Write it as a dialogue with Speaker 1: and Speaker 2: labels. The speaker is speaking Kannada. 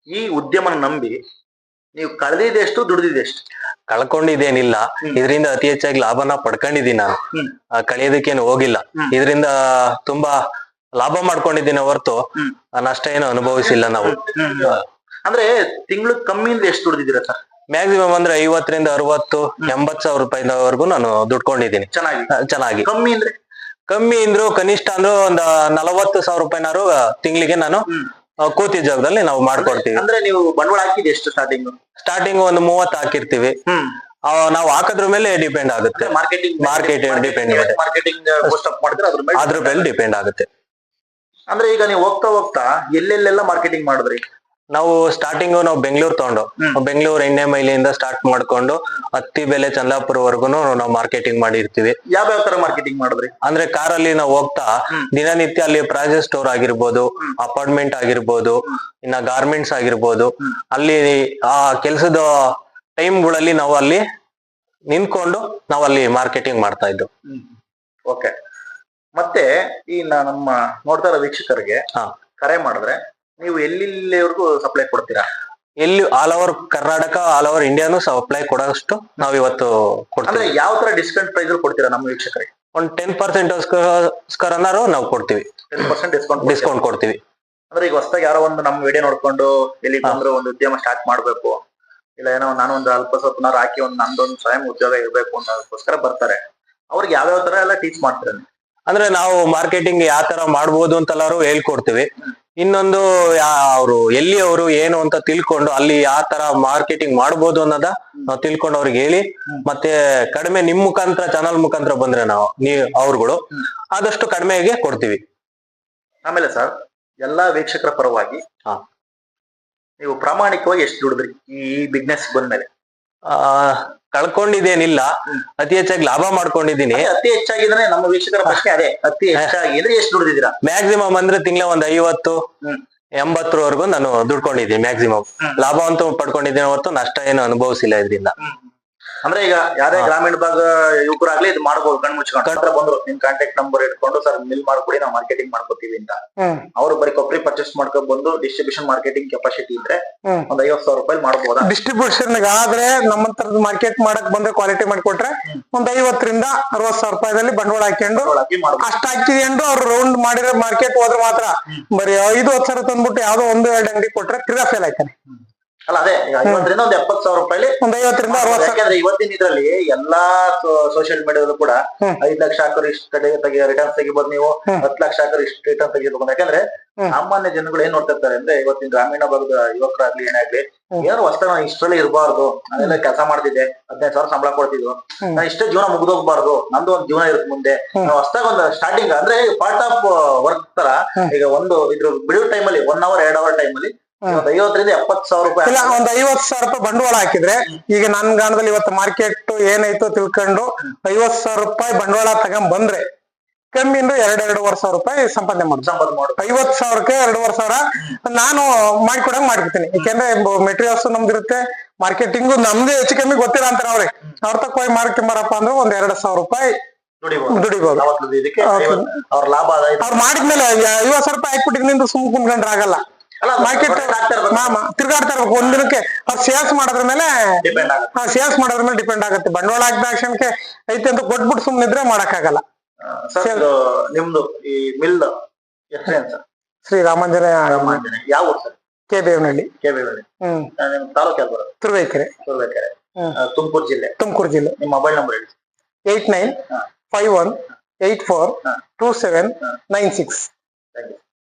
Speaker 1: ಈ ಉದ್ಯಮನ ನಂಬಿ ನೀವು ಕಳೆದಿದೆಷ್ಟು ದುಡಿದಿದೆಷ್ಟು?
Speaker 2: ಕಳ್ಕೊಂಡಿದ್ದೇನಿಲ್ಲ, ಇದರಿಂದ ಅತಿ ಹೆಚ್ಚಾಗಿ ಲಾಭನ ಪಡ್ಕೊಂಡಿದ್ದೀನಿ ನಾನು. ಕಳಿಯೋದಕ್ಕೇನು ಹೋಗಿಲ್ಲ, ಇದರಿಂದ ತುಂಬಾ ಲಾಭ ಮಾಡ್ಕೊಂಡಿದ್ದೀನಿ ಹೊರತು ನಷ್ಟ ಏನು ಅನುಭವಿಸಿಲ್ಲ ನಾವು.
Speaker 1: ಅಂದ್ರೆ ತಿಂಗಳು ಕಮ್ಮಿಯಿಂದ ಎಷ್ಟು ದುಡಿದಿದ್ದೀರಾ ಸರ್?
Speaker 2: ಮ್ಯಾಕ್ಸಿಮಮ್ ಅಂದ್ರೆ 50ರಿಂದ 60, 80,000 ರೂಪಾಯಿವರೆಗೂ ನಾನು ದುಡ್ಕೊಂಡಿದ್ದೀನಿ ಚೆನ್ನಾಗಿ. ಕಮ್ಮಿ ಅಂದ್ರು ಕನಿಷ್ಠ ಅಂದ್ರು ಒಂದ್ 40,000 ರೂಪಾಯಿನಾರು ತಿಂಗಳಿಗೆ ನಾನು ಕೂತಿ ಜಾಗದಲ್ಲಿ ನಾವು ಮಾಡ್ಕೊಡ್ತೀವಿ.
Speaker 1: ಅಂದ್ರೆ ನೀವು ಬಂಡವಾಳ ಹಾಕಿದ್ ಎಷ್ಟು
Speaker 2: ಸ್ಟಾರ್ಟಿಂಗ್ ಒಂದು 30 ಹಾಕಿರ್ತೀವಿ. ನಾವು ಹಾಕೋದ್ರ ಮೇಲೆ ಡಿಪೆಂಡ್ ಆಗುತ್ತೆ, ಮಾರ್ಕೆಟ್ ಡಿಪೆಂಡ್ ಆಗುತ್ತೆ, ಅದ್ರ ಮೇಲೆ ಡಿಪೆಂಡ್ ಆಗುತ್ತೆ.
Speaker 1: ಅಂದ್ರೆ ಈಗ ನೀವು ಹೋಗ್ತಾ ಹೋಗ್ತಾ ಎಲ್ಲೆಲ್ಲೆಲ್ಲ ಮಾರ್ಕೆಟಿಂಗ್ ಮಾಡಿದ್ರಿ?
Speaker 2: ನಾವು ಸ್ಟಾರ್ಟಿಂಗ್ ನಾವು ಬೆಂಗಳೂರು ತಗೊಂಡು ಬೆಂಗಳೂರು ಎಣ್ಣೆ ಮೈಲಿಯಿಂದ ಸ್ಟಾರ್ಟ್ ಮಾಡ್ಕೊಂಡು ಹತ್ತಿ ಬೆಲೆ ಚಂದಾಪುರವರೆಗೂ ನಾವು ಮಾರ್ಕೆಟಿಂಗ್ ಮಾಡಿರ್ತೀವಿ.
Speaker 1: ಯಾವ ತರ ಮಾರ್ಕೆಟಿಂಗ್ ಮಾಡಿದ್ರಿ?
Speaker 2: ಅಂದ್ರೆ ಕಾರಲ್ಲಿ ನಾವು ಹೋಗ್ತಾ ದಿನನಿತ್ಯ ಅಲ್ಲಿ ಪ್ರಾಜೆಕ್ಟ್ ಸ್ಟೋರ್ ಆಗಿರ್ಬೋದು, ಅಪಾರ್ಟ್ಮೆಂಟ್ ಆಗಿರ್ಬೋದು, ಇನ್ನ ಗಾರ್ಮೆಂಟ್ಸ್ ಆಗಿರ್ಬೋದು, ಅಲ್ಲಿ ಆ ಕೆಲ್ಸದ ಟೈಮ್ಗಳಲ್ಲಿ ನಾವು ಅಲ್ಲಿ ನಿಂತ್ಕೊಂಡು ನಾವು ಅಲ್ಲಿ ಮಾರ್ಕೆಟಿಂಗ್ ಮಾಡ್ತಾ ಇದ್ದು.
Speaker 1: ಓಕೆ. ಮತ್ತೆ ಈ ನಮ್ಮ ನೋಡ್ತಾ ಇರೋ ವೀಕ್ಷಕರಿಗೆ ಕರೆ ಮಾಡಿದ್ರೆ ನೀವು ಎಲ್ಲಿವರೆಗೂ ಸಪ್ಲೈ ಕೊಡ್ತೀರಾ?
Speaker 2: ಎಲ್ಲಿ all over Karnataka, all over ಇಂಡಿಯಾನು ಸಪ್ಲೈ ಕೊಡೋಷ್ಟು ನಾವ್ ಇವತ್ತು ಕೊಡ್ತೀವಿ.
Speaker 1: ಯಾವ ತರ ಡಿಸ್ಕೌಂಟ್ ಪ್ರೈಸ್ ಕೊಡ್ತೀರಾ ನಮ್ಮ ವೀಕ್ಷಕರಿಗೆ?
Speaker 2: ಒಂದು 10% ನಾವು ಕೊಡ್ತೀವಿ.
Speaker 1: 10%
Speaker 2: ಡಿಸ್ಕೌಂಟ್ ಕೊಡ್ತೀವಿ.
Speaker 1: ಅಂದ್ರೆ ಈಗ ಹೊಸದಾಗಿ ಯಾರೋ ಒಂದು ನಮ್ಮ ವಿಡಿಯೋ ನೋಡ್ಕೊಂಡು ಎಲ್ಲಿ ಬಂದ್ರು ಒಂದು ಉದ್ಯಮ ಸ್ಟಾರ್ಟ್ ಮಾಡ್ಬೇಕು, ಇಲ್ಲ ಏನೋ ನಾನು ಒಂದು ಅಲ್ಪ ಸ್ವಲ್ಪನಾರು ಹಾಕಿ ಒಂದು ನಂದೊಂದು ಸ್ವಯಂ ಉದ್ಯೋಗ ಇರ್ಬೇಕು ಅನ್ನೋದಕ್ಕೋಸ್ಕರ ಬರ್ತಾರೆ, ಅವ್ರಿಗೆ ಯಾವ್ಯಾವ ತರ ಎಲ್ಲ ಟೀಚ್ ಮಾಡ್ತಾರೆ?
Speaker 2: ಅಂದ್ರೆ ನಾವು ಮಾರ್ಕೆಟಿಂಗ್ ಯಾವ ತರ ಮಾಡ್ಬೋದು ಅಂತೆಲ್ಲಾರು ಹೇಳ್ಕೊಡ್ತೀವಿ. ಇನ್ನೊಂದು ಅವರು ಎಲ್ಲಿ ಅವರು ಏನು ಅಂತ ತಿಳ್ಕೊಂಡು ಅಲ್ಲಿ ಯಾವ ತರ ಮಾರ್ಕೆಟಿಂಗ್ ಮಾಡ್ಬೋದು ಅನ್ನೋದ ನಾವು ತಿಳ್ಕೊಂಡು ಅವ್ರಿಗೆ ಹೇಳಿ, ಮತ್ತೆ ಕಡಿಮೆ ನಿಮ್ ಮುಖಾಂತರ ಚಾನಲ್ ಮುಖಾಂತರ ಬಂದ್ರೆ ಅವ್ರುಗಳು ಆದಷ್ಟು ಕಡಿಮೆಗೆ ಕೊಡ್ತೀವಿ.
Speaker 1: ಆಮೇಲೆ ಸರ್, ಎಲ್ಲಾ ವೀಕ್ಷಕರ ಪರವಾಗಿ ನೀವು ಪ್ರಾಮಾಣಿಕವಾಗಿ ಎಷ್ಟು ದುಡಿದ್ರಿ ಈ ಬಿಸ್ನೆಸ್ ಬಂದ್ಮೇಲೆ?
Speaker 2: ಕಳ್ಕೊಂಡಿದ್ದೇನಿಲ್ಲ, ಅತಿ ಹೆಚ್ಚಾಗಿ ಲಾಭ ಮಾಡ್ಕೊಂಡಿದ್ದೀನಿ.
Speaker 1: ಅತಿ ಹೆಚ್ಚಾಗಿದ್ರೆ ನಮ್ಮ ವೀಕ್ಷಕರ ಪ್ರಶ್ನೆ ಅದೇ, ಅತಿ ಹೆಚ್ಚಾಗಿ ಅಂದ್ರೆ ಎಷ್ಟು ದುಡಿದಿದ್ದೀರಾ?
Speaker 2: ಮ್ಯಾಕ್ಸಿಮಮ್ ಅಂದ್ರೆ ತಿಂಗಳ ಒಂದು 50-80ವರೆಗೂ ನಾನು ದುಡ್ಕೊಂಡಿದ್ದೀನಿ ಮ್ಯಾಕ್ಸಿಮಮ್. ಲಾಭ ಅಂತೂ ಪಡ್ಕೊಂಡಿದ್ದೀನಿ ಹೊರತು ನಷ್ಟ ಏನು ಅನುಭವಿಸಿಲ್ಲ ಇದರಿಂದ.
Speaker 1: ಅಂದ್ರೆ ಈಗ ಯಾರೇ ಗ್ರಾಮೀಣ ಭಾಗ ಯುವಕರಾಗ್ಲಿ ಇದು ಮಾಡ್ಬೋದು, ಕಣ್ ಮುಚ್ಕೊಂಡು ಬಂದ್ರು ನಿಮ್ ಕಾಂಟ್ಯಾಕ್ಟ್ ನಂಬರ್ ಇಟ್ಕೊಂಡು ಸರ್ ಮಿಲ್ ಮಾಡ್ಕೊಡಿ ನಾವು ಮಾರ್ಕೆಟಿಂಗ್ ಮಾಡ್ಕೋತೀವಿ ಅಂತ, ಅವ್ರು ಬರೀ ಕೊಬ್ಬರಿ ಪರ್ಚೇಸ್ ಮಾಡ್ಕೊಂಡ್ ಬಂದು ಡಿಸ್ಟ್ರಿಬ್ಯೂಷನ್ ಮಾರ್ಕೆಟಿಂಗ್ ಕೆಪಾಸಿಟಿ ಇದ್ರೆ ಒಂದ್ 50,000 ರೂಪಾಯಿ ಮಾಡ್ಬೋದಾ?
Speaker 3: ಡಿಸ್ಟ್ರಿಬ್ಯೂಷನ್ ಆದ್ರೆ ನಮ್ಮಂತರದ್ದು ಮಾರ್ಕೆಟ್ ಮಾಡಕ್ ಬಂದ್ರೆ ಕ್ವಾಲಿಟಿ ಮಾಡ್ಕೊಟ್ರೆ ಒಂದ್ 50ರಿಂದ 60,000 ರೂಪಾಯಿದಲ್ಲಿ ಬಂಡವಾಳ ಹಾಕೊಂಡು ಅಷ್ಟ್ ಹಾಕಿಕೊಂಡು ಅವ್ರು ರೌಂಡ್ ಮಾಡಿರೋ ಮಾರ್ಕೆಟ್ ಹೋದ್ರೆ ಮಾತ್ರ ಬರೀ 5-10 ಸಾವಿರ ತಂದ್ಬಿಟ್ಟು ಯಾವ್ದೋ 1-2 ಅಂಗಡಿ ಕೊಟ್ರೆ ತಿರ್ಗಾ ಫೇಲ್ ಆಯ್ತಾನೆ.
Speaker 1: ಅಲ್ಲ ಅದೇ 50ರಿಂದ ಒಂದು 70,000 ರೂಪಾಯಿ,
Speaker 3: ಒಂದ್ 50ರಿಂದ 60,000.
Speaker 1: ಯಾಕಂದ್ರೆ ಇವತ್ತಿನ ಇದ್ರಲ್ಲಿ ಎಲ್ಲಾ ಸೋಷಿಯಲ್ ಮೀಡಿಯಾದಲ್ಲೂ ಕೂಡ 5 ಲಕ್ಷ ಹಾಕೋರು ಇಷ್ಟ ರಿಟರ್ನ್ಸ್ ತೆಗಿಬೋದು, ನೀವು 10 ಲಕ್ಷ ಹಾಕೋರು ಇಷ್ಟು ರಿಟರ್ನ್ ತೆಗಿಬೇಕು. ಯಾಕಂದ್ರೆ ಸಾಮಾನ್ಯ ಜನಗಳು ಏನ್ ನೋಡ್ತಾ ಇರ್ತಾರೆ ಅಂದ್ರೆ, ಇವತ್ತಿನ ಗ್ರಾಮೀಣ ಭಾಗದ ಯುವಕರಾಗ್ಲಿ ಏನಾಗ್ಲಿ, ಏನೋ ಹೊಸದ ನಾನು ಇಷ್ಟರಲ್ಲಿ ಇರಬಾರ್ದು, ನಾನೆಲ್ಲ ಕೆಲಸ ಮಾಡ್ತಿದ್ದೆ 15,000 ಸಂಬಳ ಕೊಡ್ತಿದ್ವು, ನಾನು ಇಷ್ಟೇ ಜೀವನ ಮುಗ್ದೋಗ್ಬಾರ್ದು, ನಂದು ಒಂದು ಜೀವನ ಇರುತ್ತೆ ಮುಂದೆ, ನಾವು ಹೊಸದಾಗ ಒಂದು ಸ್ಟಾರ್ಟಿಂಗ್ ಅಂದ್ರೆ ಪಾರ್ಟ್ ಆಫ್ ವರ್ಕ್ ತರ. ಈಗ ಒಂದು ಇದ್ರ ಬಿಡುವ ಟೈಮಲ್ಲಿ 1 hour 2 hour ಟೈಮಲ್ಲಿ 50ರಿಂದ 70,000 ರೂಪಾಯಿ
Speaker 3: ಇಲ್ಲ, ಒಂದ್ 50,000 ರೂಪಾಯಿ ಬಂಡವಾಳ ಹಾಕಿದ್ರೆ, ಈಗ ನನ್ ಗಾಣದಲ್ಲಿ ಇವತ್ತು ಮಾರ್ಕೆಟ್ ಏನಾಯ್ತು ತಿಳ್ಕೊಂಡು 50,000 ರೂಪಾಯಿ ಬಂಡವಾಳ ತಗೊಂಡ್ ಬಂದ್ರೆ ಕಮ್ಮಿ ಅಂದ್ರೆ 2-2.5 ಸಾವಿರ ರೂಪಾಯಿ ಸಂಪಾದನೆ ಮಾಡುದು. 50,000ಕ್ಕೆ 2.5 ಸಾವಿರ ನಾನು ಮಾಡ್ಕೊಡಂಗ್ ಮಾಡ್ಕೊತೀನಿ. ಯಾಕೆಂದ್ರೆ ಮೆಟೀರಿಯಲ್ಸ್ ನಮ್ದಿರುತ್ತೆ, ಮಾರ್ಕೆಟಿಂಗು ನಮ್ದೇ ಹೆಚ್ಚು ಕಮ್ಮಿ ಗೊತ್ತಿಲ್ಲ ಅಂತಾರೆ ಅವ್ರೆ. ಅವ್ರ ತಕ್ಕ ಹೋಗಿ ಮಾರ್ಕೊಂಬರಪ್ಪ ಅಂದ್ರೆ ಒಂದ್ 2,000 ರೂಪಾಯಿ ದುಡಿಬಹುದು.
Speaker 1: ಅವ್ರ ಲಾಭ
Speaker 3: ಅವ್ರು ಮಾಡಿದ್ಮೇಲೆ 50,000 ರೂಪಾಯಿ ಹಾಕ್ಬಿಟ್ಟಿದ್ರಿಂದ ಸುಮ್ ಕುಂತ್ಕೊಂಡ್ರೆ ಆಗಲ್ಲ. ಮಾರ್ಕೆಟ್ ತಿರ್ಗಾಡ್ತಾ ಇರ್ಬೇಕು. ಒಂದಿನಕ್ಕೆ ಅವ್ರು ಸೇಲ್ಸ್ ಮಾಡೋದ್ರ ಮೇಲೆ ಡಿಪೆಂಡ್ ಆಗುತ್ತೆ. ಬಂಡವಾಳ ಹಾಕಿದ ಕ್ಷಣಕ್ಕೆ ಐತೆ ಅಂತ ಕೊಟ್ಬಿಟ್ಟು ಸುಮ್ನಿದ್ರೆ ಮಾಡಕ್ ಆಗಲ್ಲ.
Speaker 1: ನಿಮ್ದು ಈ ಮಿಲ್
Speaker 3: ಶ್ರೀ ರಾಮಾಂಜನೇಯ,
Speaker 1: ಯಾವ ಊರು ಸರ್?
Speaker 3: KBMನಹಳ್ಳಿ.
Speaker 1: ತಾಲೂಕು ಯಾವ್ದು ಬರೋದು?
Speaker 3: ತುರುವೇಕೆರೆ.
Speaker 1: ತುಮಕೂರು ಜಿಲ್ಲೆ. ನಿಮ್ಮ ಮೊಬೈಲ್ ನಂಬರ್ ಹೇಳಿ.
Speaker 3: 8951842796.